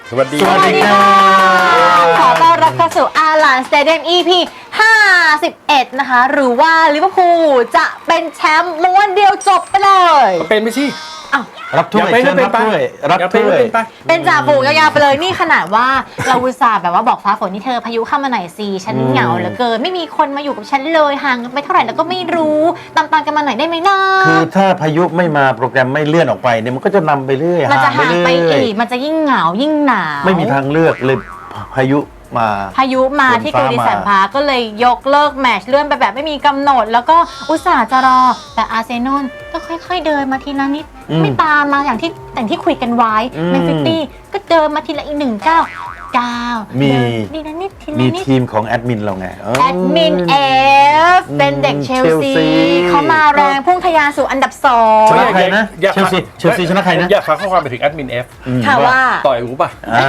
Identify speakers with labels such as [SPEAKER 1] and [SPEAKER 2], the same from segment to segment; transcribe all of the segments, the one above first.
[SPEAKER 1] สวัสดี
[SPEAKER 2] สวัสดีค่ะขอต้อนรับเข้าสู่อาร์ลานสเตเดียม EP 51 นะคะ หรือว่าลิเวอร์พูลจะเป็นแชมป์ม้วนเดียวจบไปเลย
[SPEAKER 1] เป็นไม่ใช่
[SPEAKER 2] อ้าว
[SPEAKER 3] รับถ้วย
[SPEAKER 1] อย่าเป็น
[SPEAKER 3] รับถ้วยรับ
[SPEAKER 1] อย่าเป็น
[SPEAKER 3] ถ้วย
[SPEAKER 1] เป็นไป
[SPEAKER 2] เป็นจ่าฝูงยาวๆไปเลยนี่ขนาดว่าเราอุตส่าห์แบบว่าบอกฟ้าฝนนี่เธอพายุเข้ามาหน่อยสิฉันเหงาเหลือเกินไม่มีคนมาอยู่กับฉันเลยห่างกันไปเท่าไหร่แล้วก็ไม่รู้ตามๆกันมาหน่อยได้ไหมนะ
[SPEAKER 3] คือถ้าพายุไม่มาโปรแกรมไม่เลื่อนออกไปเนี่ยมันก็จะนำไปเรื่อย
[SPEAKER 2] มันจะห่างไป
[SPEAKER 3] เรื่ย
[SPEAKER 2] อีกมันจะยิ่งเหงายิ่งหนาว
[SPEAKER 3] ไม่มีทางเลือกเลยพายุมา
[SPEAKER 2] พายุมาที่กูดิสันพาร์คก็เลยยกเลิกแมตช์เลื่อนไปแบบไม่มีกำหนด แล้วก็อุตส่าห์จะรอแต่อาร์เซนอลก็ค่อยๆเดินมาทีละนิดไม่ตามมาอย่างที่คุยกันไว้แมนซิตี้ก็เดินมาทีละอีก1-9
[SPEAKER 3] มี
[SPEAKER 2] ทีละนิดทีละ
[SPEAKER 3] มี
[SPEAKER 2] นิด
[SPEAKER 3] ทีมของแอดมินเราไง
[SPEAKER 2] แอดมินเอฟเป็นเด็กเชลซี
[SPEAKER 3] เชลซี
[SPEAKER 2] เขามาแรงพุ่งทะยานสู่อันดับ
[SPEAKER 3] ชนะ
[SPEAKER 2] 2
[SPEAKER 3] ใครนะ
[SPEAKER 1] อยาก
[SPEAKER 3] เชลซีชนะใครนะ
[SPEAKER 1] อยากฟังข้อความไปถึงแอดมิน F
[SPEAKER 2] ค่ะว่า
[SPEAKER 1] ต่อยรู้ป่ะ
[SPEAKER 3] อ่า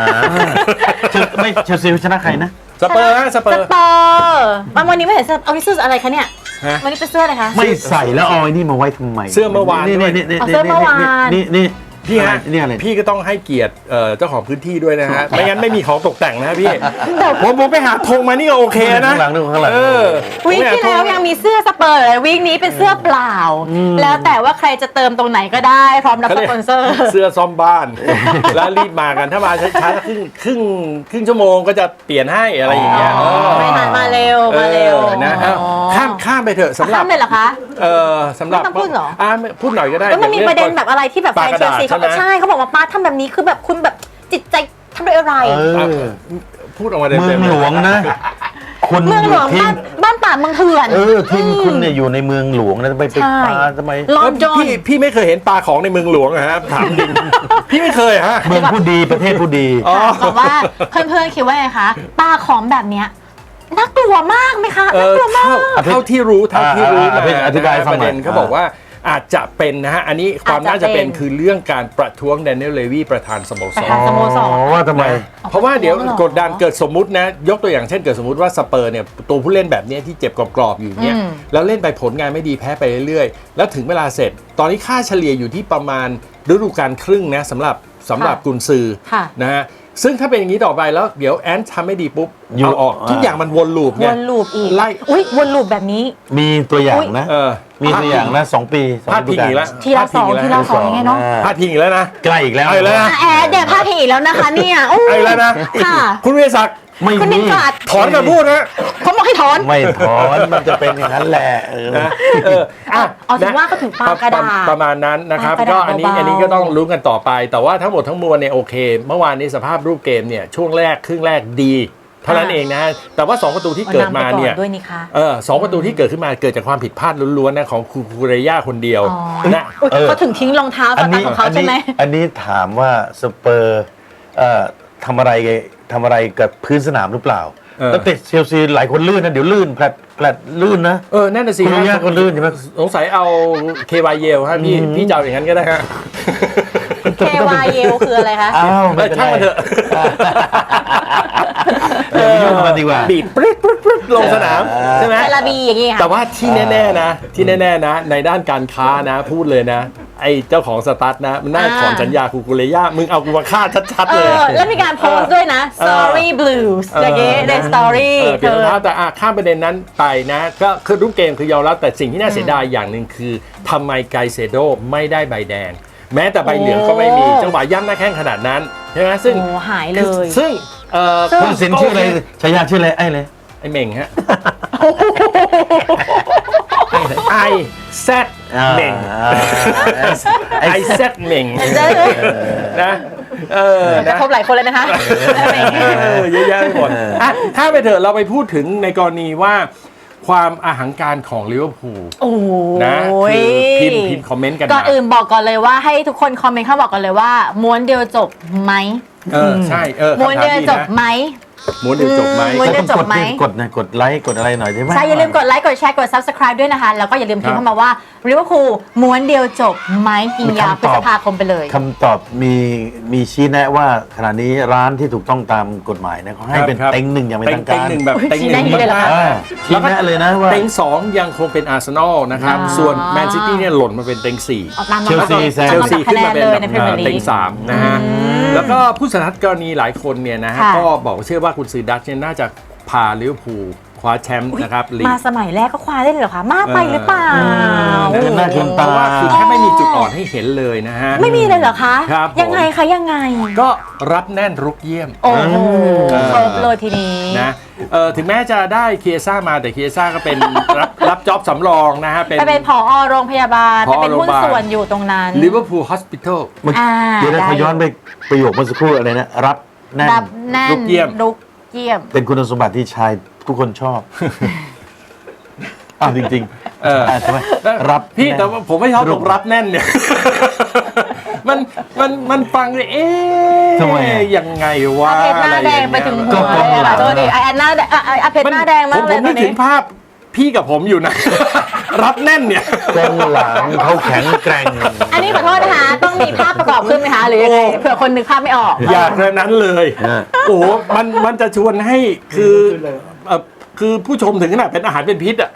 [SPEAKER 3] เชลซีชนะใครนะ
[SPEAKER 1] สเปอร์ฮะสเปอร์
[SPEAKER 2] วันนี้ไม่เห็นเสื้อเอานี่เสื้ออะไรคะเนี่ย
[SPEAKER 1] ฮะ
[SPEAKER 2] วันนี้เป็นเสื้ออะไรคะ
[SPEAKER 3] ไม่ใส่แล้วเอาไอ้นี่มาไว้ทำไม
[SPEAKER 1] เสื้อเมื่อวาน
[SPEAKER 3] นี่
[SPEAKER 1] ด้วย
[SPEAKER 3] นี่
[SPEAKER 2] เอาเสื้อเมื่อวาน
[SPEAKER 3] นี่
[SPEAKER 1] พี่ฮะ
[SPEAKER 3] นี่อะไร
[SPEAKER 1] พี่ก็ต้องให้เกียรติเจ้าของพื้นที่ด้วยนะฮะ ไม่งั้นไม่มีของตกแต่งนะพี่ผมไปหาธงมานี่ก็โอเคนะ
[SPEAKER 3] ข้างหลังข้างหลัง
[SPEAKER 1] เออ
[SPEAKER 2] วีคที่แล้วยังมีเสื้อสเปอร์เลยวีคนี้เป็นเสื้อเปล่า แล้วแต่ว่าใครจะเติมตรงไหนก็ได้พร้อมรับ
[SPEAKER 1] เขา
[SPEAKER 2] ส
[SPEAKER 1] เรียก
[SPEAKER 2] ปอนเซอร์
[SPEAKER 1] เสื้อซ่อมบ้าน แล้วรีบมากันถ้ามาช้าๆครึ่งชั่วโมงก็จะเปลี่ยนให้อะไรอย่างเงี้ย
[SPEAKER 2] ไม่ทันมาเร็วมาเร็ว
[SPEAKER 1] นะฮะข้ามไปเถอะสำหรับ
[SPEAKER 2] ข้ามเลยเหรอคะ
[SPEAKER 1] สำหรับ
[SPEAKER 2] ไม่ต้องพูดเหรอ
[SPEAKER 1] พูดหน่อยก็ได้
[SPEAKER 2] แล้วมันมีประเด็นแบบอะไรที่แบบแฟนเชลซีเขา
[SPEAKER 1] ปากกระดาษใช่ไหม
[SPEAKER 2] ใช่เขาบอกว่าป้าทำแบบนี้คือแบบคุณแบบจิตใจทำด้วยอะไร
[SPEAKER 1] พูดออกมาเต็ม
[SPEAKER 3] เมืองหลวงนะคุณ
[SPEAKER 2] เมืองหลวง
[SPEAKER 3] ทีม
[SPEAKER 2] บ้านป่าเมืองเถื่อน
[SPEAKER 3] ทีมคุณเนี่ยอยู่ในเมืองหลวงนะไป
[SPEAKER 2] ใช่
[SPEAKER 3] ปาทำไม
[SPEAKER 2] ลอนดอน
[SPEAKER 1] พี่ไม่เคยเห็นปลาของในเมืองหลวงอะฮะถามจริง พี่ไม่เคยฮะ
[SPEAKER 3] เมืองผู้ดีประเทศผู้ดี
[SPEAKER 2] บอกว่าเพื่อนๆคิดว่าไงคะปลาของแบบเนี้ยน่ากลัวมากไหมคะน่ากลัวมาก
[SPEAKER 1] เท่าที่รู้มา
[SPEAKER 3] อธิบายฟัง
[SPEAKER 1] ประ
[SPEAKER 3] หน่
[SPEAKER 1] เด็
[SPEAKER 3] อย
[SPEAKER 1] นเขาบอกว่าอาจจะเป็นนะฮะอันนี้ความน่าจะเป็น
[SPEAKER 2] อาจจะเป็น
[SPEAKER 1] คือเรื่องการประท้วงแดเนียลเลวีประธานสโมส
[SPEAKER 2] ประ
[SPEAKER 1] ร
[SPEAKER 2] ธาน สโมสร
[SPEAKER 3] ว่าทำไม
[SPEAKER 1] เพราะว่าเดี๋ยว
[SPEAKER 2] ประท้วงเหรอ
[SPEAKER 1] กดดันเกิดสมมุตินะยกตัวอย่างเช่นเกิดสมมุติว่าสเปอร์เนี่ยตัวผู้เล่นแบบเนี้ยที่เจ็บกรอบๆอยู่เนี่ยแล้วเล่นไปผลงานไม่ดีแพ้ไปเรื่อยๆ แล้วถึงเวลาเสร็จ ตอนนี้ค่าเฉลี่ยอยู่ที่ประมาณฤดูกาลครึ่งนะสำหรับกุนซือ
[SPEAKER 2] ค่ะ
[SPEAKER 1] นะฮะซึ่งถ้าเป็นอย่างนี้ต่อไปแล้วเดี๋ยวแอนทำไม่ดีปุ๊บ
[SPEAKER 3] อยู่
[SPEAKER 1] เอาออกทุกอย่างมันวนลูป
[SPEAKER 2] ว
[SPEAKER 1] เนี่ย
[SPEAKER 2] นลูปอีก
[SPEAKER 1] ไล่
[SPEAKER 2] อุ้ยวนลูปแบบนี้
[SPEAKER 3] มีตัวอย่างนะ มีตัวอย่างนะ2 ปี2
[SPEAKER 1] พลาดพิงอีกแล้ว
[SPEAKER 2] ทีละสองทีละสองยังไงเนาะ
[SPEAKER 1] พลาดพิงอีกแล้วนะ
[SPEAKER 3] ใกล้อีกแล้ว
[SPEAKER 1] เอาอีกแล้วนะ
[SPEAKER 2] แอดเดี๋ยวพาทีอีกแล้วนะคะเนี่ยโอ้
[SPEAKER 1] เอาอีกแล้วนะ
[SPEAKER 2] ค่ะ
[SPEAKER 1] คุณวิทยาศักดิ์
[SPEAKER 3] ไม่
[SPEAKER 2] คุณนิ
[SPEAKER 3] มี
[SPEAKER 2] กาด
[SPEAKER 1] ถอนมาพูดนะ
[SPEAKER 2] เขาบอกให้ถอน
[SPEAKER 3] ไม่ถอนมันจะเป็นอย่างนั้นแหละ
[SPEAKER 1] นะอ่ะ
[SPEAKER 2] เอาถึงว่าก็ถึงปลากระดาษ
[SPEAKER 1] ประมาณนั้นนะครับ
[SPEAKER 2] ปลากระ
[SPEAKER 1] ก็
[SPEAKER 2] ดาษ
[SPEAKER 1] อันนี้
[SPEAKER 2] เบาๆ
[SPEAKER 1] อันนี้ก็ต้องรู้กันต่อไป แต่ว่าทั้งหมดทั้งมวลเนี่ยโอเค เมื่อวานนี้สภาพรูปเกมเนี่ยช่วงแรกครึ่งแรกดีเท่านั้นเองนะฮะแต่ว่า2ประตูที่เกิดมาเนี่ย
[SPEAKER 2] นำไปก่อด้วยนี่คะ
[SPEAKER 1] สองประตูที่เกิดขึ้นมาเกิดจากความผิดพลาดล้วนๆนะของคูเรย่าคนเดียว
[SPEAKER 2] อ๋อ
[SPEAKER 1] นะ
[SPEAKER 2] อุ๊ยเขาถึงทิ้งรองเท้าสตาร์ทของเขาใช่ไหม
[SPEAKER 3] อันนี้ถามว่าสเปอร์ทำอะไรกับพื้นสนามหรือเปล่าแล้วเตะเชลซีหลายคนลื่นนะเดี๋ยวลื่นแผลดลื่นนะ
[SPEAKER 1] นั่นน่ะสิ
[SPEAKER 3] คูเรย่าก็ลื่นใช่ไหม
[SPEAKER 1] สงสัยเอาเควายเยลฮะพี่จะเอาอย่างนั้นก็ได้ฮะ
[SPEAKER 2] KY เยลคืออะไรคะ
[SPEAKER 3] อ้าวไม่เป็น
[SPEAKER 1] ช่างมันเถ
[SPEAKER 3] ไร
[SPEAKER 1] อะ
[SPEAKER 3] อย่าไปยุ่งกับมันดีกว่า
[SPEAKER 1] บีบปรึ๊ดลงสนามใช่ไหม
[SPEAKER 2] เทลาบีอย่างงี้ค่ะ
[SPEAKER 1] แต่ว่าที่แน่ๆนะในด้านการค้านะพูดเลยนะ ไอ้เจ้าของสตาร์ทนะมันน่าถอนสัญญาคูเรย่ามึงเอากูมาฆ่าชัดๆเลย
[SPEAKER 2] แล้วมีการโพสต์ด้วยนะ Story Blues อย่างงี้ใน Story
[SPEAKER 1] เปลี่ยนรองเท้าแต่ข้ามประเด็นนั้นไปนะก็คือรูปเกมคือยอมรับแต่สิ่งที่น่าเสียดายอย่างหนึ่งคือทำไมไกเซโดไม่ได้ใบแดง แม้แต่ใบเหลืองก็ไม่มีจังหวะย่ำหน้าแข้งขนาดนั้นใช่ไหมซึ่ง
[SPEAKER 2] โอ้หายเลย
[SPEAKER 1] ซึ่ง
[SPEAKER 3] คุณสินชื่ออะไรฉายาชื่ออะไรไอ้เลย
[SPEAKER 1] ไอ้เหม่งฮะไอแซดเหม่งไอแซดเหม่งนะ
[SPEAKER 2] กระทบหลายคนเลยนะคะ
[SPEAKER 1] เยอะแยะไปหมดถ้าไปเถอะเราไปพูดถึงในกรณีว่าความอาหังการของลิเวอร์พูล
[SPEAKER 2] โอ้
[SPEAKER 1] นะคือพิมพ์คอมเมนต์กัน
[SPEAKER 2] ก่อนอื่นบอกก่อนเลยว่าให้ทุกคนคอมเมนต์เข้าบอกกันเลยว่าม้วนเดียวจบไหม
[SPEAKER 1] ใช่
[SPEAKER 2] ม้วนเดียวจบไหม
[SPEAKER 1] ม้วนเดียวจบไหม
[SPEAKER 2] ม้วนเดียวจบไหม
[SPEAKER 3] กดไลค์กดอะไรหน่อยได้ไหม
[SPEAKER 2] ใช่อย่าลืมกดไลค์กดแชร์กด subscribe ด้วยนะคะ แล้วก็อย่าลืมพิมพ์เข้ามาว่าลิเวอร์พูลม้วนเดียวจบไหมยิงยาวพฤษภาคมไปเลย
[SPEAKER 3] คำตอบมีชี้แนะว่าขณะนี้ร้านที่ถูกต้องตามกฎหมายเนี่ยเขาให้เป็น
[SPEAKER 1] ครับ
[SPEAKER 3] เต็งหนึ่งอย่างเป็นทาง
[SPEAKER 1] เต็
[SPEAKER 3] การ
[SPEAKER 1] งหนึ่งแบบเต็งหนึ่ง
[SPEAKER 2] ชี้แนะอย่างนี้เลยเหรอคะ
[SPEAKER 3] ชี้แนะเลยนะว่า
[SPEAKER 1] เต็ง2ยังคงเป็นอาร์เซนอลนะครับ ส่วนแมนซิตี้เนี่ยหล่นมาเป็นเต็ง4
[SPEAKER 2] ออกตาม
[SPEAKER 3] เชลซีแซง
[SPEAKER 1] เชลซีขึ้นมาเป็น
[SPEAKER 2] เลย
[SPEAKER 1] แบบ
[SPEAKER 2] ในพรีเมียร์ลี
[SPEAKER 1] เต็ง
[SPEAKER 2] ก
[SPEAKER 1] 3นะฮะแล้วก็ผู้สันทัดกรณีหลายคนเนี่ยนะฮะ
[SPEAKER 2] ค่ะ
[SPEAKER 1] ก็บอกว่าเชื่อว่าคุณซือดัชเนี่ยน่าจะพาลิเวอร์พูลคว้าแชมป์นะครับลีก
[SPEAKER 2] มาสมัยแรกก็คว้าได้เลยเหรอคะ มากไปหรือเปล่า
[SPEAKER 3] เออน่าชื่น
[SPEAKER 1] เพ
[SPEAKER 3] ตา
[SPEAKER 1] ราะว่าคือแค่ไม่มีจุดอ่อนให้เห็นเลยนะฮะ
[SPEAKER 2] ไม่มีเลยเหรอคะ
[SPEAKER 1] ครับผม
[SPEAKER 2] ยังไงคะยังไง
[SPEAKER 1] ก็รับแน่นรุกเยี่ยม
[SPEAKER 2] โอ้โหครบเลยทีนี้
[SPEAKER 1] นะถึงแม้จะได้เคียซ่ามาแต่เคียซ่าก็เป็น รับจ็อบสำรองนะฮะ
[SPEAKER 2] ไปเป็นผอโรงพยาบาล
[SPEAKER 1] ผ
[SPEAKER 2] ไป
[SPEAKER 1] อ
[SPEAKER 2] เป็นหุ้น
[SPEAKER 1] โรงพยาบาล
[SPEAKER 2] ส่วนอยู่ตรงนั้น
[SPEAKER 1] ลิเวอร์พูลฮอสพิทอล
[SPEAKER 3] เดี๋ยวนะขอย้อนไปประโยคเมื่อสักครู่อะไรนะรับแน่น
[SPEAKER 2] รับแน่น
[SPEAKER 1] ลุกเยี่ยม
[SPEAKER 2] ลุกเยี่ยม
[SPEAKER 3] เป็นคุณสมบัติที่ชายทุกคนชอบ อ้าวจริงๆใช่ไหมรับ
[SPEAKER 1] พี่
[SPEAKER 3] น่น
[SPEAKER 1] แต่ว่าผมไม่ชอบตรงรับแน่นเนี่ย มันฟังเลย
[SPEAKER 3] ทำไมอะ
[SPEAKER 1] ยังไงวะ
[SPEAKER 2] อาเพชรหน้าแดงไปถึงหัว
[SPEAKER 3] ก็
[SPEAKER 2] เลย
[SPEAKER 3] หลั
[SPEAKER 2] ค่ะ
[SPEAKER 3] ง
[SPEAKER 2] โทษดีไอ้หน้าแดงอาเพชรหน้าแดงมาก
[SPEAKER 1] ผ
[SPEAKER 2] เลย
[SPEAKER 1] ม
[SPEAKER 2] ต
[SPEAKER 1] นึ
[SPEAKER 2] อก น
[SPEAKER 1] ถึ
[SPEAKER 2] นี้
[SPEAKER 1] งภาพพี่กับผมอยู่นะ รับแน่นเนี่ย
[SPEAKER 3] กองหลังเขาแข็งแกร่ง
[SPEAKER 2] อันนี้ขอโทษนะคะต้องมีภาพประกอบขึ้นไหมคะหรือยังไงเผื่อคนนึกภาพไม่ออก
[SPEAKER 1] อยากเลยนั้นเลย โอ้โหมันจะชวนให้คือผู้ชมถึงขนาดเป็นอาหารเป็นพิษอ่ะ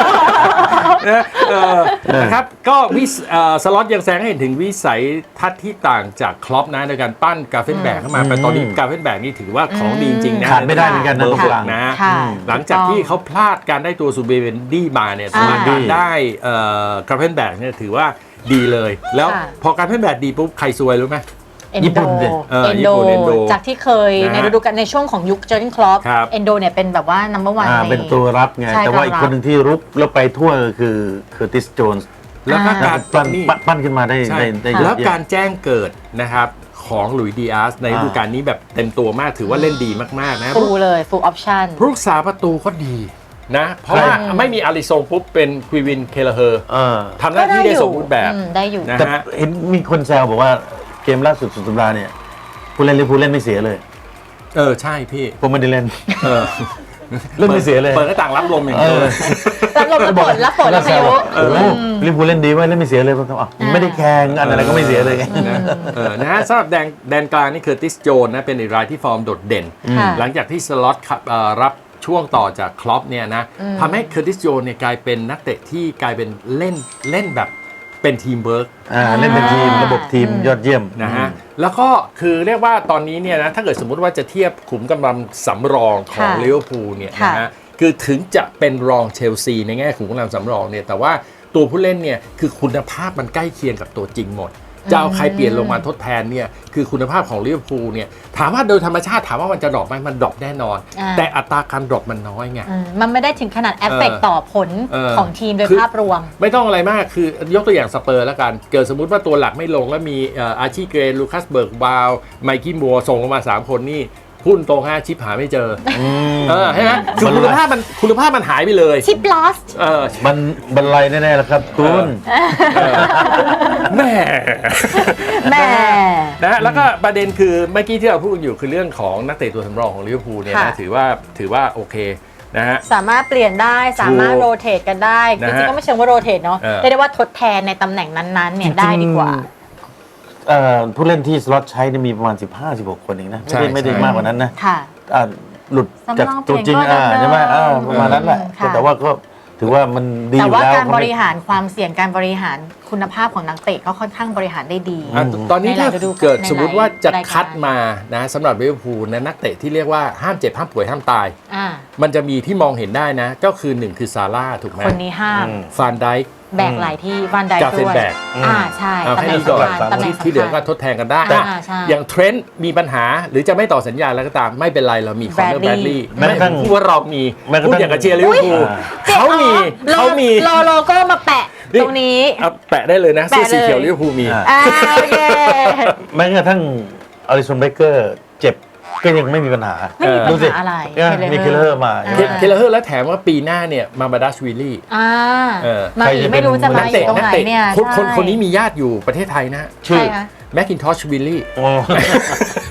[SPEAKER 1] นะครับก็สล็อตยังแสดงให้เห็นถึงวิสัยทัศน์ที่ต่างจากคล็อปนะในการปั้นกาเฟนแบกเข้ามาแต่ตอนนี้กาเฟนแบกนี่ถือว่าของดีจริงๆนะ
[SPEAKER 3] ขาดไม่ได้เหมือนกันนะ
[SPEAKER 1] เบอร์
[SPEAKER 3] ตรง
[SPEAKER 1] ห
[SPEAKER 3] ก
[SPEAKER 1] ก
[SPEAKER 3] ลาง
[SPEAKER 1] นะ
[SPEAKER 2] ค่ะ
[SPEAKER 1] หลังจากที่เขาพลาดการได้ตัวซูเบเวนดี้มาเนี่ย
[SPEAKER 2] อ่า
[SPEAKER 1] ส่วนการได้กาเฟนแบกเนี่ยถือว่าดีเลย แล้ว
[SPEAKER 2] ค่ะ
[SPEAKER 1] พอกาเฟนแบกดีปุ๊บใครซวยรู้ไหม
[SPEAKER 3] ญี่ปุ่นดิ
[SPEAKER 2] เอน
[SPEAKER 1] ญี่
[SPEAKER 2] โด
[SPEAKER 1] ปุ่นเอนโด
[SPEAKER 2] จากที่เคย
[SPEAKER 1] นะฮะ
[SPEAKER 2] ในฤดูกาลในช่วงของยุคเจอร์เกนคลอป
[SPEAKER 1] ครับ
[SPEAKER 2] เอนโดเนี่ยเป็นแบบว่า number one ใน
[SPEAKER 3] เป็นตัวรับไง
[SPEAKER 2] ใช่
[SPEAKER 3] แต่ว่าอีก
[SPEAKER 2] ตัวรับ
[SPEAKER 3] คนหนึ่งที่รุกแล้วไปทั่วคือเคอร์ติสโจนส์
[SPEAKER 1] แล้วก็การ
[SPEAKER 3] ปั้นขึ้นมาได้
[SPEAKER 1] ใช่
[SPEAKER 3] ได้เยอะ
[SPEAKER 1] แล้ว
[SPEAKER 3] แยะ
[SPEAKER 1] การแจ้งเกิดนะครับของหลุยส์ดีอาสในฤดูกาลนี้แบบเต็มตัวมากถือว่าเล่นดีมากๆนะ
[SPEAKER 2] ฟูลเลย full option
[SPEAKER 1] ผู้รักษาประตูก็ดีนะ เพราะว่าไม่มีอาริซงปุ๊บเป็นควีวินเคลเฮอร์
[SPEAKER 3] เออ
[SPEAKER 1] ทำหน้าที่ได้สมบูรณ์แบบ
[SPEAKER 2] ได้อยู่
[SPEAKER 1] นะ
[SPEAKER 3] แต่
[SPEAKER 1] ฮะ
[SPEAKER 3] เห็นมีคนแซวบอกว่าเกมล่าสุดสุดสัปดาห์เนี่ยผู้เล่นลิเวอร์พูลเล่นไม่เสียเลย
[SPEAKER 1] ใช่พี่
[SPEAKER 3] ผมไม่ได้เล่น
[SPEAKER 1] เออ
[SPEAKER 3] เล่นไม่เสียเลย
[SPEAKER 1] เปิดหน้าต่างรับลมอย่างเดียวเลย
[SPEAKER 2] รับลมรับฝนรับฝนรับพายุ
[SPEAKER 3] โอ้โหลิเวอร์พูลเล่นดีไว้ยเล่นไม่เสียเลยผมถามไม่ได้แข่งอันอะไรก็ไม่เสียเลย
[SPEAKER 1] นะฮะสำหรับแดนกลางนี่คือติสโจนนะเป็นอีกรายที่ฟอร์มโดดเด่น
[SPEAKER 2] ค่ะ
[SPEAKER 1] หลังจากที่สล็อตรับช่วงต่อจากคล็อปเนี่ยนะทำให้เคอร์ติสโจนเนี่ยกลายเป็นนักเตะที่กลายเป็นเล่นแบบเป็นทีมเวิร์ก
[SPEAKER 3] เล่นเป็นทีมระบบทีมยอดเยี่ยม
[SPEAKER 1] นะฮะแล้วก็คือเรียกว่าตอนนี้เนี่ยนะถ้าเกิดสมมุติว่าจะเทียบขุมกำลังสำรองของ
[SPEAKER 2] ค่ะ
[SPEAKER 1] ลิเวอร์พูลเนี่ย
[SPEAKER 2] ค่ะ
[SPEAKER 1] นะฮะคือถึงจะเป็นรองเชลซีในแง่ขุมกำลังสำรองเนี่ยแต่ว่าตัวผู้เล่นเนี่ยคือคุณภาพมันใกล้เคียงกับตัวจริงหมด จะเอาใครเปลี่ยนลงมาทดแทนเนี่ยคือคุณภาพของลิเวอร์พูลเนี่ยถามว่าโดยธรรมชาติถามว่ามันจะดรอปไหมมันดรอปแน่นอน แต่อัตราการดรอปมันน้อยไง
[SPEAKER 2] มันไม่ได้ถึงขนาดเอฟเฟกต์ต่อผล
[SPEAKER 1] เออ
[SPEAKER 2] ของทีมโดย
[SPEAKER 1] คือ
[SPEAKER 2] ภาพรวม
[SPEAKER 1] ไม่ต้องอะไรมากคือยกตัวอย่างสเปอร์แล้วกัน เกิดสมมุติว่าตัวหลักไม่ลงแล้วมีอาร์ชีเกรนลูคัสเบิร์กบาวไมกี้มัวส่งลงมา 3 คนนี่พุ่นตรง5ชิปหาไม่เจอใช่ไหมคือคุณภาพมันหายไปเลย
[SPEAKER 2] ชิปลอส
[SPEAKER 3] มันบรรลัยแน่ๆแล้วครับคุณ
[SPEAKER 1] แม่
[SPEAKER 2] แม่
[SPEAKER 1] นะฮะแล้วก็ประเด็นคือเมื่อกี้ที่เราพูดอยู่คือเรื่องของนักเตะตัวสำรองของลิเวอร์พูลเนี่ยนะ
[SPEAKER 2] ค่ะ
[SPEAKER 1] ถือว่าโอเคนะฮะ
[SPEAKER 2] สามารถเปลี่ยนได้สามารถ
[SPEAKER 1] ถูก
[SPEAKER 2] โรเตทกันได้จ
[SPEAKER 1] นะฮะ
[SPEAKER 2] ริงๆก็ไม่เชิงว่าโรเตทเนาะ
[SPEAKER 1] เออ
[SPEAKER 2] เรียกได้ว่าทดแทนในตำแหน่งนั้นๆเนี่ยได้ดีกว่า
[SPEAKER 3] ผู้เล่นที่สล็อตใช้เนี่ยมีประมาณ 15-16 คนเองนะ ไม่ได้มากกว่านั้นนะ
[SPEAKER 2] ค่ะ
[SPEAKER 3] หลุดจากตัวจริง
[SPEAKER 2] สำรองเปลี่ยนก็
[SPEAKER 3] ใช่ไหม
[SPEAKER 2] เดิม
[SPEAKER 3] ประมาณนั้นแหละ
[SPEAKER 2] ค่ะ
[SPEAKER 3] แต่ว่าก็ถือว่ามันดีอ
[SPEAKER 2] แต่
[SPEAKER 3] ยู่
[SPEAKER 2] ว่า
[SPEAKER 3] แล้ว
[SPEAKER 2] การบริหารความเสี่ยงการบริหารคุณภาพของนักเตะก็ค่อนข้างบริหารได้ดี
[SPEAKER 1] ตอนนี้
[SPEAKER 2] ในหลา
[SPEAKER 1] ถ้าย
[SPEAKER 2] ฤดูกาล
[SPEAKER 1] เกิดสมมติว่าจะ
[SPEAKER 2] ในหลายรายการ
[SPEAKER 1] คัดมานะสำหรับลิเวอร์พูลนะนักเตะที่เรียกว่าห้ามเจ็บห้ามป่วยห้ามตาย
[SPEAKER 2] อ่า
[SPEAKER 1] มันจะมีที่มองเห็นได้นะ ก็คือ1คือซาร่าถูกไหม
[SPEAKER 2] คนนี้ห้าม
[SPEAKER 1] ฟานไดค์
[SPEAKER 2] แบกหลายที่วันใด
[SPEAKER 1] กาเฟ
[SPEAKER 2] ด้
[SPEAKER 1] น
[SPEAKER 2] วย
[SPEAKER 1] แบก
[SPEAKER 2] ใช่
[SPEAKER 1] เอา
[SPEAKER 2] ตำ
[SPEAKER 1] ให้
[SPEAKER 2] แหน่ง
[SPEAKER 1] ดีก่อน
[SPEAKER 2] สำคัญตำแหน่งสำคัญ
[SPEAKER 1] ที่เหลือก็ทดแทนกันได้
[SPEAKER 2] ใช่
[SPEAKER 1] อย่างเทรนต์มีปัญหาหรือจะไม่ต่อสัญญาแล้วก็ตามไม่เป็นไรเรามีคอนเนอร์แบดลี่
[SPEAKER 3] แม้กระทั่ง
[SPEAKER 1] พูดว่าเรามี
[SPEAKER 3] แม้กระทั่ง
[SPEAKER 1] พูดอย่างกับเชียร์ลิเวอร์พูล
[SPEAKER 2] อ๋อ
[SPEAKER 1] เขามี
[SPEAKER 2] รอโลโก้มาแปะตรงนี้
[SPEAKER 1] เอาแปะได้เลยนะเสื้อสีเขียวลิเวอร์พูลมี
[SPEAKER 2] โอเค
[SPEAKER 3] แม้กระทั่งอลิสันเบเกอร์เจ็บก็ยังไม่มีปัญหา
[SPEAKER 2] ไม่มีปัญหา
[SPEAKER 3] ดูสิ
[SPEAKER 2] อะไร
[SPEAKER 3] มีเคลเลอร์มา
[SPEAKER 1] เคลเลอร์แล้วแถมว่าปีหน้าเนี่ยมาบาดัชวิลลี่
[SPEAKER 2] มาอีกไม่รู้จะมา
[SPEAKER 1] นัก
[SPEAKER 2] อีก
[SPEAKER 1] เตะ
[SPEAKER 2] ตรง
[SPEAKER 1] นัก
[SPEAKER 2] ไหน
[SPEAKER 1] เตะ
[SPEAKER 2] เนี่ย
[SPEAKER 1] คนนี้มีญาติอยู่ประเทศไทยนะ
[SPEAKER 2] ใช่คะ
[SPEAKER 1] แมคคินทอชวิลลี่
[SPEAKER 3] โอ้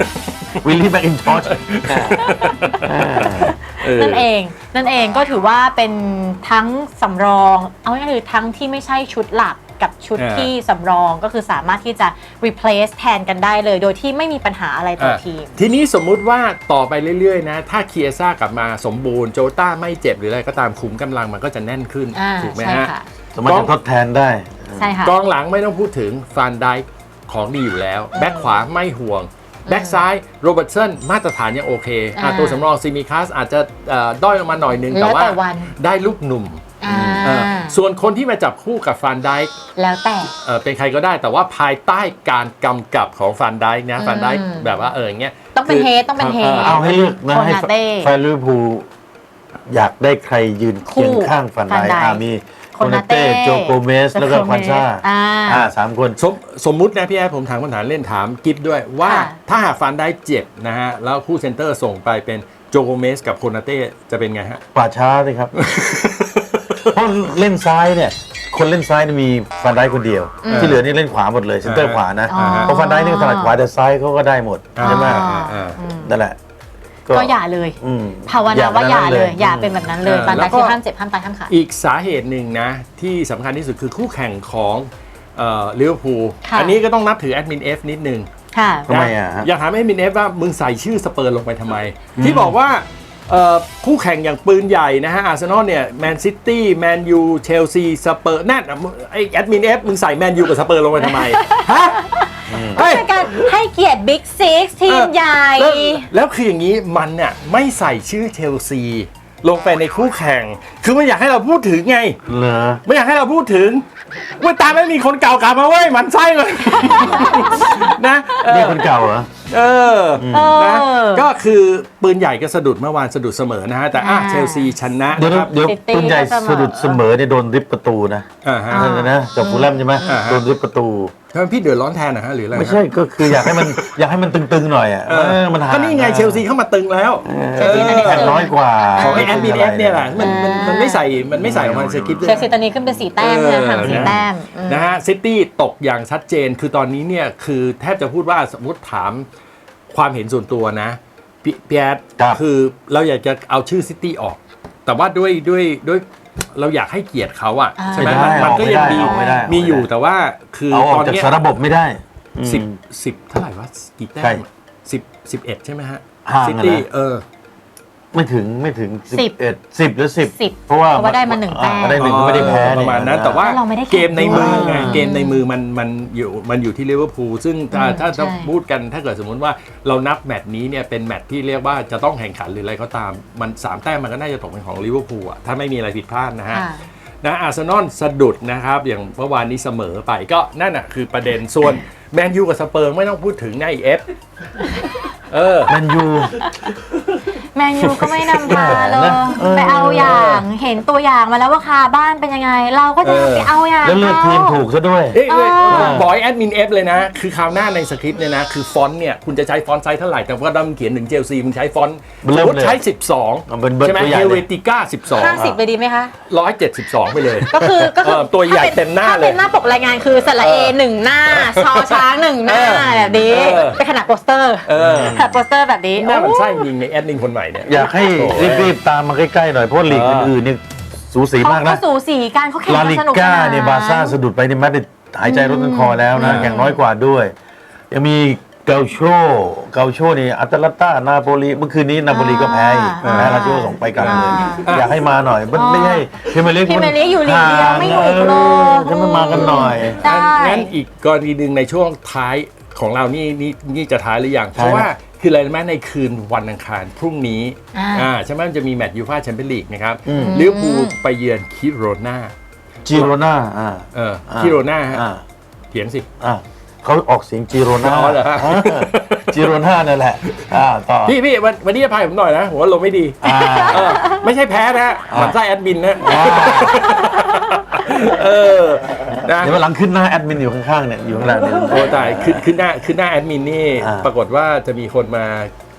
[SPEAKER 3] วิลลี่แมคอินทอช
[SPEAKER 2] นั่นเองก็ถือว่าเป็นทั้งสำรองเอาง่ายๆคือทั้งที่ไม่ใช่ชุดหลักกับชุดที่สำรองก็คือสามารถที่จะ replace แทนกันได้เลยโดยที่ไม่มีปัญหาอะไรต่อทีม
[SPEAKER 1] ทีนี้สมมุติว่าต่อไปเรื่อยๆนะถ้าเคียซ่ากลับมาสมบูรณ์โจต้าไม่เจ็บหรืออะไรก็ตามขุมกำลังมันก็จะแน่นขึ้นถูกไหม
[SPEAKER 2] ใช่
[SPEAKER 1] ฮะ
[SPEAKER 2] ค่ะ
[SPEAKER 3] สามารถจะทดแทนได้
[SPEAKER 2] ใช่ค่ะ
[SPEAKER 1] กองหลังไม่ต้องพูดถึงฟานไดค์ของดีอยู่แล้ว แบ็คขวาไม่ห่วง แบ็คซ้ายโรเบิร์ตสันมาตรฐานยังโอเคตัวสำรองซิมิคัสอาจจะด้อยลงมาหน่อยนึงแต่ว่าได้ลูกหนุ่มส่วนคนที่มาจับคู่กับฟานไดค์
[SPEAKER 2] แล้วแต่
[SPEAKER 1] เป็นใครก็ได้แต่ว่าภายใต้การกำกับของฟานไดค์นะฟานไดค์แบบว่าอย่างเงี้ย
[SPEAKER 2] ต้องเป็นเฮดต้องเป็นเฮด
[SPEAKER 3] เอาให้เลือกนะให้
[SPEAKER 2] โคนาเต้
[SPEAKER 3] แฟนลิเวอร์พูลอยากได้ใครยืนเคียงข้างฟันไดมีโคนาเต้โจโกเมสแล้วก็ควันซ่า3 คน
[SPEAKER 1] สมมุตินะพี่แอร์ผมถามคำถามเล่นถามกิฟด้วยว่าถ้าหากฟานไดค์เจ็บนะฮะแล้วคู่เซนเตอร์ส่งไปเป็นโจโกเมสกับโคนาเต้จะเป็นไงฮะ
[SPEAKER 3] ป่าช้าเลยครับ เพราะเล่นซ้ายเนี่ยคนเล่นซ้ายมีฟันไดคนเดียว ที่เหลือนี่เล่นขวาหมดเลยเซนเตอร์ขวานะเพราะฟันไดนี่ถนัดขวาแต่ซ้ายเขาก็ได้หมดใช่ไหมนั่นแหละ
[SPEAKER 2] ก็อย่าเลยภาวนาว่าอย่าเลยอย่าเป็นแบบนั้นเลยฟันไดคือห้ามเจ็บห้ามตายห้ามขาด
[SPEAKER 1] อีกสาเหตุหนึ่งนะที่สำคัญที่สุดคือคู่แข่งของลิเวอร์พูลอันนี้ก็ต้องนับถือแอดมิน F นิดนึง
[SPEAKER 3] ทำไม
[SPEAKER 1] อยากถามแอดมิน F ว่ามึงใส่ชื่อสเปอร์ลงไปทำไมที่บอกว่าคู่แข่งอย่างปืนใหญ่นะฮะอาร์เซนอลเนี่ยแมนซิตี้แมนยูเชลซีสเปอร์นั่นไอแอดมิน F มึงใส่แมนยูกับสเปอร์ลงไปทำไมฮะ
[SPEAKER 2] เป็นการให้เกียรติบิ๊กซิกทีมใหญ่
[SPEAKER 1] แล้วคืออย่างนี้มันเนี่ยไม่ใส่ชื่อเชลซีลงไปในคู่แข่งคือไม่อยากให้เราพูดถึงไงไม่อยากให้เราพูดถึงว่าตามไม่มีคนเก่ากลับมาเว้ยมันไส้เลยนะ
[SPEAKER 3] นี่คนเก่าเหรอ
[SPEAKER 1] นะก็คือปืนใหญ่ก็สะดุดเมื่อวานสะดุดเสมอนะฮะแต่เชลซีชนะนะครับ
[SPEAKER 3] เดี๋ยวปืนใหญ่สะดุดเสมอเนี่ยโดนริบประตูนะนะกับฟูลแลมใช่ไหมโดนริบประตู
[SPEAKER 1] ทำไมพี่เดือดร้อนแทนนะฮะหรืออะไร
[SPEAKER 3] ไม่ใช่ก็คืออยากให้มันตึงๆหน่อยอ่ะมันหา
[SPEAKER 1] ก็นี่ไงเชลซีเข้ามาตึงแล้ว
[SPEAKER 3] แข่งน้อยกว่า
[SPEAKER 1] ของไอ้แอดมินเอฟเนี่ยแหละมันไม่ใส่ออกมาสคริปต์
[SPEAKER 2] เชลซีตอนนี้ขึ้นเป็น4 แต้มนะห่าง4 แต้ม
[SPEAKER 1] นะฮะซิตี้ตกอย่างชัดเจนคือตอนนี้เนี่ยคือแทบจะพูดว่าสมมติถามความเห็นส่วนตัวนะพี่แอดคือเราอยากจะเอาชื่อซิตี้ออกแต่ว่าด้วยเราอยากให้เกียรติเขาอะใช่ไหมมันก็ยังมีอยู่แต่ว่าคือ
[SPEAKER 3] ตอนนี้ระบบไม่ได้
[SPEAKER 1] 10เท่าไหร่วะกี่แต้ม11ใช่ไหมฮะซิตี้
[SPEAKER 3] ไม่ถึง10หรือ10เพราะว่า
[SPEAKER 2] ได้มา1 แต้ม
[SPEAKER 3] ได้1ก็ไม่ได้แพ้
[SPEAKER 1] ประมาณนั้นแต่ว่าเกมในมือไงเกมในมือมันอยู่ที่ลิเวอร์พูลซึ่งถ้าพูดกันถ้าเกิดสมมติว่าเรานับแมตช์นี้เนี่ยเป็นแมตช์ที่เรียกว่าจะต้องแข่งขันหรืออะไรก็ตามมัน3 แต้มมันก็น่าจะตกเป็นของลิเวอร์พูลอะถ้าไม่มีอะไรผิดพลาดนะฮะอาร์เซนอลสะดุดนะครับอย่างเมื่อวานนี้เสมอไปก็นั่นน่ะคือประเด็นส่วนแมนยูกับสเปอร์ไม่ต้องพูดถึงในเอฟ
[SPEAKER 3] แมนยู
[SPEAKER 2] ก็ไม่นำพาเลยไปเอาอย่างเห็นตัวอย่างมาแล้วว่าคาบ้านเป็นยังไงเราก็จะไปเอาอย่าง
[SPEAKER 3] แล้วเลือกทีมถูกซะด้วย
[SPEAKER 1] บอยแอดมินเอฟเลยนะคือคราวหน้าในสคริปต์เนี่ยนะคือฟอนต์เนี่ยคุณจะใช้ฟอนต์ไซส์เท่าไหร่แต่ว่าดัมเขียนถึงเชลซีมึงใช้ฟอนต์สมมติใช้12ใช่ไหมเฮเวติก้า
[SPEAKER 2] 50ไปดีไหมคะ
[SPEAKER 1] 172ไปเลย
[SPEAKER 2] ก็คือ
[SPEAKER 1] ตัวใหญ่เต็มหน้าเลย
[SPEAKER 2] ถ้าเป็นหน้าปกรายงานคือสระเอ1 หน้าชอช้าง1 หน้าแบบนี้เป็นขนาดโปสเตอร์แบบนี้
[SPEAKER 1] หน้ามันไส้ยิงในแอดมินคนใหม่เนี่ย
[SPEAKER 3] อยากให้รีบๆตามมาใกล้ๆหน่อยเพราะลีกอื่นๆนี่สูสีมากนะ
[SPEAKER 2] เขาสูสีกันเขาแข่งกันสนุก
[SPEAKER 3] ลาลิก้าเนี่ยบาร์ซ่าสะดุดไปในแมตช์หายใจรถกันคอแล้วนะแข่งน้อยกว่าด้วยยังมีเกาโชนี่อัตแลนตานาโปลีเมื่อคืนนี้นาโปลีก็แพ้ลาโชส่งไปกันเลยอยากให้มาหน่อยไม่ให้พรีเมียร์ลีก
[SPEAKER 2] อยู่ลีกเดียวไม่ถูกโล
[SPEAKER 3] จะมากันหน่อย
[SPEAKER 1] งั้นอีกกรณีหนึ่งในช่วงท้ายของเรานี่จะท้ายหรือยังเพราะว่าคืออะไรไหมในคืนวันอังคารพรุ่งนี้ใช่ไหมมันจะมีแมตช์ยูฟ่าแชมเปี้ยนลีกนะครับลิเวอร์พูลไปเยือนคิโรนา
[SPEAKER 3] คิโร
[SPEAKER 1] นาฮะเขียนสิ
[SPEAKER 3] เขาออกเสียงจิโรนาจิโรนานั่นแหละต่อ
[SPEAKER 1] พี่วันนี้จะพายผมหน่อยนะผมว่าลงไม่ดีไม่ใช่แพ้นะหมันไส้แอดมินนะ
[SPEAKER 3] เดี๋ยวหลังขึ้นหน้าแอดมินอยู่ข้างๆเนี่ยอยู่ข้างหลังเนี่ย
[SPEAKER 1] โอ้ตายขึ้นหน้าแอดมินนี่ปรากฏว่าจะมีคนมา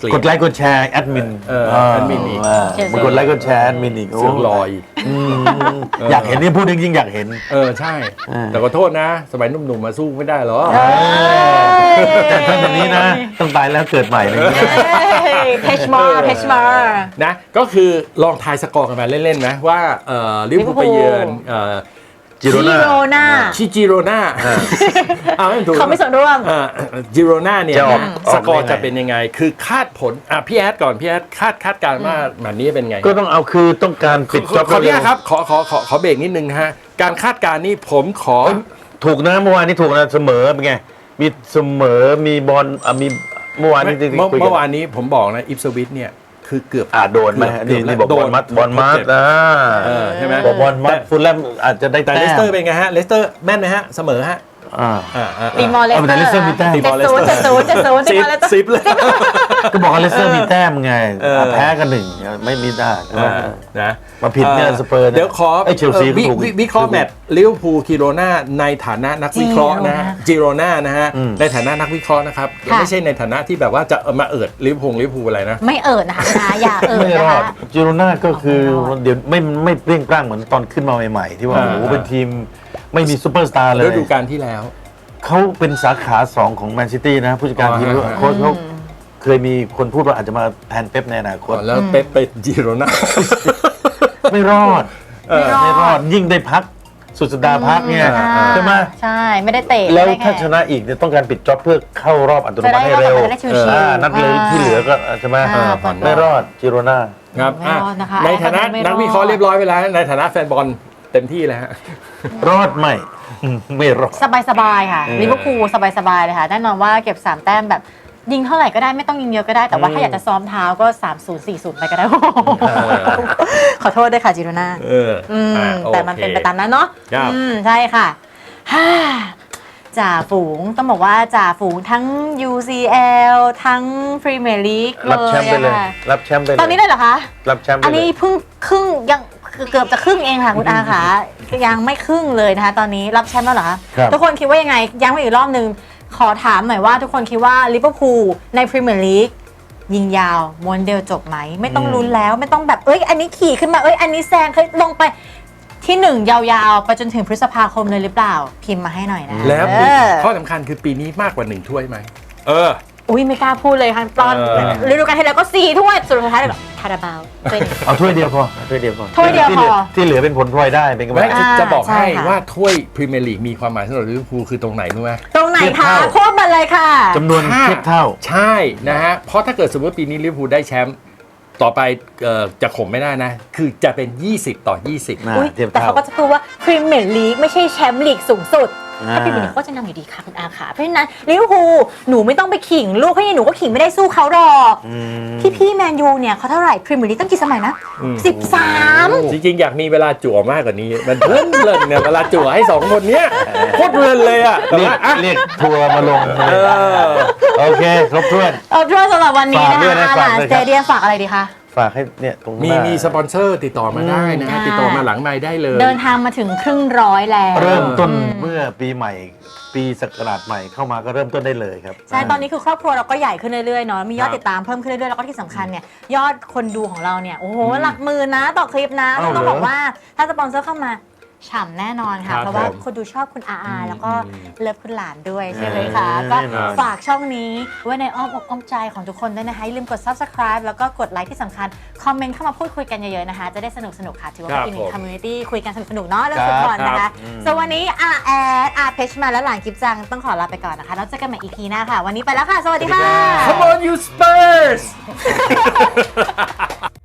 [SPEAKER 1] เกลียด
[SPEAKER 3] กดไลค์กดแชร์แอดมิน
[SPEAKER 1] แอดมินอีก
[SPEAKER 3] มากดไลค์กดแชร์แอดมินอีก
[SPEAKER 1] เสือกลอย
[SPEAKER 3] อยากเห็นนี่พูดจริงๆอยากเห็น
[SPEAKER 1] ใช่ แต่ขอโทษนะ สมัยหนุ่มๆมาสู้ไม่ได้หรอ
[SPEAKER 3] แต่ถ้าแบบนี้นะต้องตายแล้วเกิดใหม่เลยนะ
[SPEAKER 2] เพชมาร์
[SPEAKER 1] นะก็คือลองทายสกอร์กันมาเล่นๆนะว่าลิเวอร์พูลไปเยือน
[SPEAKER 3] จิโรน่า
[SPEAKER 1] ชิจิโรนาไม่ถูก
[SPEAKER 2] เขาไม่ส่วนร่วม
[SPEAKER 1] จิโรนาเนี่ย
[SPEAKER 3] จะออก
[SPEAKER 1] สกอร์
[SPEAKER 3] ยังไง
[SPEAKER 1] จะเป็นยังไง คือคาดผลพี่แอดก่อนพี่แอดคาดการณ์ว่าแบบนี้เป็นไง
[SPEAKER 3] ก็ต้องเอาคือต้องการปิดจ็อบ
[SPEAKER 1] ขออนุญาตครับขอเบรกนิดนึงนะฮะการคาดการณ์นี่ผมขอ
[SPEAKER 3] ถูกนะเมื่อวานนี้ถูกนะเสมอเป็นไงมีเสมอมีบอลมีเมื่อวานนี้
[SPEAKER 1] เมื่อวานนี้ผมบอกนะอิปสวิตเนี่ยคือเกือบ
[SPEAKER 3] โดนไหมนี่บอกบอลมัด
[SPEAKER 1] ใช่ไหม
[SPEAKER 3] บอกบอลมัดฟุตแลมอาจจะได้
[SPEAKER 1] แต่
[SPEAKER 3] แต้
[SPEAKER 1] เลสเตอร์
[SPEAKER 3] ม
[SPEAKER 1] เป็นไงฮะเลสเตอร์แม่นไหมฮะเสมอฮะ
[SPEAKER 2] ตีมอลเลสเตอร์
[SPEAKER 3] แต่เลสเตอร์มีแต้ม
[SPEAKER 2] 70 ตีมอลเลสเตอร์
[SPEAKER 1] สิบเลย
[SPEAKER 3] ก็บอกว่าเลสเตอร์มีแต้มไงแพ้กันหนึ่งไม่มีได้
[SPEAKER 1] นะ
[SPEAKER 3] มาผิดเนี่ยสเปอร์
[SPEAKER 1] เดี๋ยวขอ
[SPEAKER 3] เชลซีถูก
[SPEAKER 1] วิเคราะห์แมตช์ลิเวอร์พูลกิโรนาในฐานะนักวิเคราะห์นะจิโรนานะฮะในฐานะนักวิเคราะห์นะครับไม่ใช่ในฐานะที่แบบว่าจะมาเอิดลิเวอร์พูลอะไรนะ
[SPEAKER 2] ไม่เอิดนะคะอย่าเอิด
[SPEAKER 3] ไม่
[SPEAKER 2] นะ
[SPEAKER 3] รอด
[SPEAKER 2] คะ
[SPEAKER 3] จิโรน่าก็คือเดี๋ยวไม่เปรี้ยงปร้างเหมือนตอนขึ้นมาใหม่ๆที่ว่าโอ้โหเป็นทีมไม่มีซูเปอร์สตาร์เลย
[SPEAKER 1] ฤดูกาลที่แล้ว
[SPEAKER 3] เขาเป็นสาขา 2 ของแมนซิตี้นะผู้จัดการทีมโค้ชเขาเคยมีคนพูดว่าอาจจะมาแทนเป๊ปในอนาคต
[SPEAKER 1] แล้วเป๊ปไปจิโรนา
[SPEAKER 3] ไม่รอดไม่รอดยิ่งได้พักสุดสัปดาห์พักเนี่ยใช่ไหม
[SPEAKER 2] ใช่ไม่ได้เตะ
[SPEAKER 3] แล้วถ้าชนะอีกเนี่ยต้องการปิดจ็อบเพื่อเข้ารอบอัตโนมัติให้เร็ว
[SPEAKER 2] จะได้ชิวๆ
[SPEAKER 3] นัดเลยที่เหลือก็ใช่ไหม
[SPEAKER 2] ผ่อน
[SPEAKER 3] ไม่รอดจิโรน่า
[SPEAKER 1] ครับ
[SPEAKER 2] ไม่รอดนะคะ
[SPEAKER 1] ในฐานะ
[SPEAKER 2] ไม่รอด
[SPEAKER 1] นักวิเคราะห์เรียบร้อยไปแล้วในฐานะแฟนบอลเต็มที่แล้วฮะ
[SPEAKER 3] รอดไม่รอด
[SPEAKER 2] สบายๆค่ะลิเวอร์พูลสบายๆเลยค่ะแน่นอนว่าเก็บ3แต้มแบบยิงเท่าไหร่ก็ได้ไม่ต้องยิงเยอะก็ได้แต่ว่าถ้าอยากจะซ้อมเท้าก็ 3-0 4-0 ไปก็ได้ ขอโทษด้วยค่ะจิโรน่าแต่มันเป็นไปตามนั้นเนาะใช่ค่ะจ่าฝูงต้องบอกว่าจ่าฝูงทั้ง UCL ทั้งพรีเมียร์ลีก
[SPEAKER 3] รับแชมป์ไปเลยรับแชมป์ไปเลย
[SPEAKER 2] ตอนนี้เลยเหรอคะ
[SPEAKER 3] รับแชมป์ไป
[SPEAKER 2] อัน
[SPEAKER 3] เล
[SPEAKER 2] นี้
[SPEAKER 3] ย
[SPEAKER 2] เพิ่งครึ่งยังเกือบจะครึ่งเองค่ะคุณอาค่ะยังไม่ครึ่งเลยนะคะตอนนี้รับแชมป์แล้วเหรอคะทุกคนคิดว่ายังไงย้ำไปอีกรอบนึงขอถามหน่อยว่าทุกคนคิดว่าลิเวอร์พูลในพรีเมียร์ลีกยิงยาวม้วนเดียวจบไหมไม่ต้องลุ้นแล้วไม่ต้องแบบอันนี้ขี่ขึ้นมาอันนี้แซงเคยลงไปที่1ยาวๆไปจนถึงพฤษภาคมเลยหรือเปล่าพิมพ์มาให้หน่อยนะ
[SPEAKER 1] แล้วข้อสำคัญคือปีนี้มากกว่า1ถ้วยไหม
[SPEAKER 2] ไม่กล้าพูดเลยค่ะตอนฤดูกาลที่แล้วก็4ถ้วยสุดท้ายเลยคาราบาว
[SPEAKER 3] เอาถ้วยเดียวพอถ้วยเดียวพอ ที่เหลือเป็นผลพลอยได้เป็นกำไร
[SPEAKER 1] จะบอกให้ว่าถ้วยพรีเมียร์ลีกมีความหมายสำหรับลิเวอร์พูลคือตรงไหนรู้ไหม
[SPEAKER 2] ตรงไหนคะโค้ดมาเลยค่ะ
[SPEAKER 3] จำนวนเทียบเท่า
[SPEAKER 1] ใช่นะฮะเพราะถ้าเกิดสมมติปีนี้ลิเวอร์พูลได้แชมป์ต่อไปจะข่มไม่ได้นะคือจะเป็น20-20
[SPEAKER 2] แต่เขาก็จะพูดว่าพรีเมียร์ลีกไม่ใช่แชมป์ลีกสูงสุดถ้าพรีเมียร์ลีกก็จะนำอยู่ดีค่ะคุณอาค่ะเพราะฉะนั้นลิเวอร์พูลหนูไม่ต้องไปขิงลูกให้หนูก็ขิงไม่ได้สู้เขาหรอกพี่แมนยูเนี่ยเขาเท่าไหร่พรีเมียร์ลีกตั้งกี่สมัยนะ13
[SPEAKER 1] จริงๆอยากมีเวลาจั่วมากกว่านี้มันเพลินเนี่ยเวลาจั่วให้2คนเนี้ยโคตรเพลินเลยอ่ะ
[SPEAKER 3] เรียกทัวร์มาลงโอเคครบถ้วน
[SPEAKER 2] สำหรับวันนี้นะคะหลานสเตเดียมฝากอะไรดีคะ
[SPEAKER 3] ฝากให้เนี่ยตรง
[SPEAKER 1] มีสปอนเซอร์ติดต่อมาได้นะติดต่อมาหลังไมค์ได้เลย
[SPEAKER 2] เดินทางมาถึงครึ่งร้อยแล้ว
[SPEAKER 3] เริ่มต้นเมื่อปีใหม่ปีศักราชใหม่เข้ามาก็เริ่มต้นได้เลยครับ
[SPEAKER 2] ใช่ตอนนี้คือครอบครัวเราก็ใหญ่ขึ้นเรื่อยๆเนาะมียอดติดตามเพิ่มขึ้นเรื่อยๆแล้วก็ที่สำคัญเนี่ยยอดคนดูของเราเนี่ยโอ้โหหลักหมื่นนะต่อคลิปนะต้องบอกว่าถ้าสปอนเซอร์เข้ามาฉ่ำแน่นอนค่ะเพราะว่าคนดูชอบคุณอาแล้วก็เลิฟคุณหลานด้วยใช่ไหมคะก็ฝากช่องนี้ไว้ในอ้อมอกอ้อมใจของทุกคนด้วยนะคะอย่าลืมกด subscribe แล้วก็กดไลค์ที่สำคัญคอมเมนต์เข้ามาพูดคุยกันเยอะๆนะคะจะได้สนุกค่ะถือว่าเป็นอีกหนึ่ง community คุยกันสนุกๆเนาะเรื่องฟุตบอลนะคะส่วนวันนี้เพชรมาและหลานกิฟจังต้องขอลาไปก่อนนะคะแล้วเจอกันใหม่ EP หน้าค่ะวันนี้ไปแล้วค่ะสวัสดีค่ะ
[SPEAKER 1] Come on you Spurs